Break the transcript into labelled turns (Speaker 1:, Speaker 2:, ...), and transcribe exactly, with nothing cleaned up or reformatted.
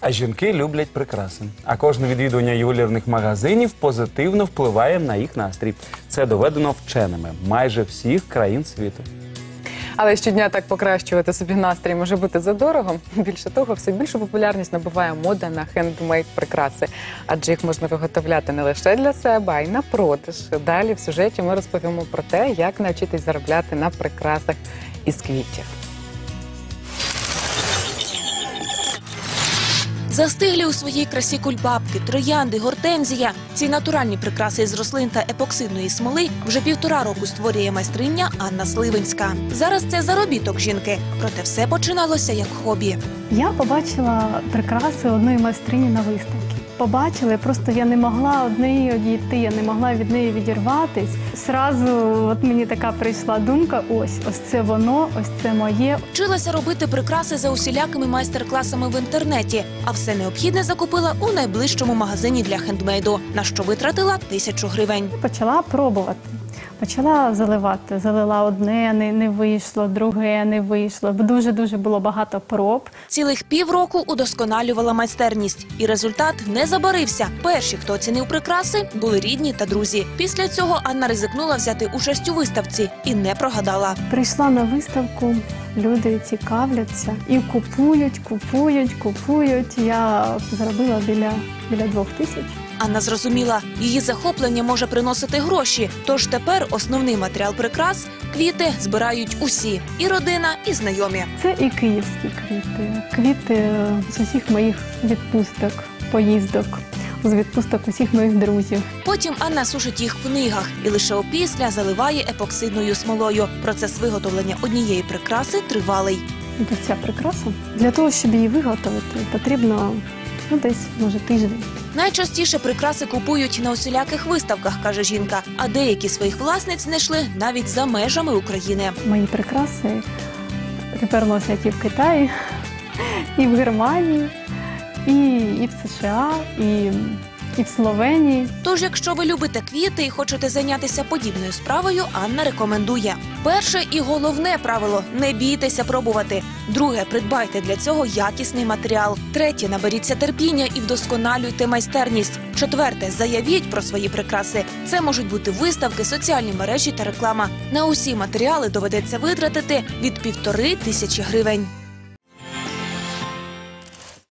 Speaker 1: А жінки люблять прикраси. А кожне відвідування ювелірних магазинів позитивно впливає на їх настрій. Це доведено вченими майже всіх країн світу.
Speaker 2: Але щодня так покращувати собі настрій може бути задорого. Більше того, все більшу популярність набуває мода на хендмейд прикраси. Адже їх можна виготовляти не лише для себе, а й на продаж. Далі в сюжеті ми розповімо про те, як навчитись заробляти на прикрасах із квітів.
Speaker 3: Застиглі у своїй красі кульбабки, троянди, гортензія. Ці натуральні прикраси із рослин та епоксидної смоли вже півтора року створює майстриня Анна Сливинська. Зараз це заробіток жінки, проте все починалося як хобі.
Speaker 4: Я побачила прикраси одної майстрині на виставці. Побачила, просто я не могла від неї одійти, я не могла від неї відірватись. Зразу от мені така прийшла думка, ось, ось це воно, ось це моє.
Speaker 3: Вчилася робити прикраси за усілякими майстер-класами в інтернеті, а все необхідне закупила у найближчому магазині для хендмейду, на що витратила тисячу гривень.
Speaker 4: Почала пробувати. Почала заливати. Залила одне, не, не вийшло, друге не вийшло. Дуже-дуже було багато проб.
Speaker 3: Цілих півроку удосконалювала майстерність. І результат не забарився. Перші, хто оцінив прикраси, були рідні та друзі. Після цього Анна ризикнула взяти участь у виставці і не прогадала.
Speaker 4: Прийшла на виставку, люди цікавляться і купують, купують, купують. Я заробила біля, біля двох тисяч.
Speaker 3: Анна зрозуміла, її захоплення може приносити гроші. Тож тепер основний матеріал прикрас – квіти збирають усі – і родина, і знайомі.
Speaker 4: Це і київські квіти. Квіти з усіх моїх відпусток, поїздок, з відпусток усіх моїх друзів.
Speaker 3: Потім Анна сушить їх в книгах і лише опісля заливає епоксидною смолою. Процес виготовлення однієї прикраси тривалий.
Speaker 4: Ось ця прикраса. Для того, щоб її виготовити, потрібно ну, десь, може, тиждень.
Speaker 3: Найчастіше прикраси купують на усіляких виставках, каже жінка, а деякі своїх власниць знайшли навіть за межами України.
Speaker 4: Мої прикраси тепер носять і в Китаї, і в Германії, і, і в США, і, і в Словенії.
Speaker 3: Тож, якщо ви любите квіти і хочете зайнятися подібною справою, Анна рекомендує. Перше і головне правило – не бійтеся пробувати. Друге – придбайте для цього якісний матеріал. Третє – наберіться терпіння і вдосконалюйте майстерність. Четверте – заявіть про свої прикраси. Це можуть бути виставки, соціальні мережі та реклама. На усі матеріали доведеться витратити від півтори тисячі гривень.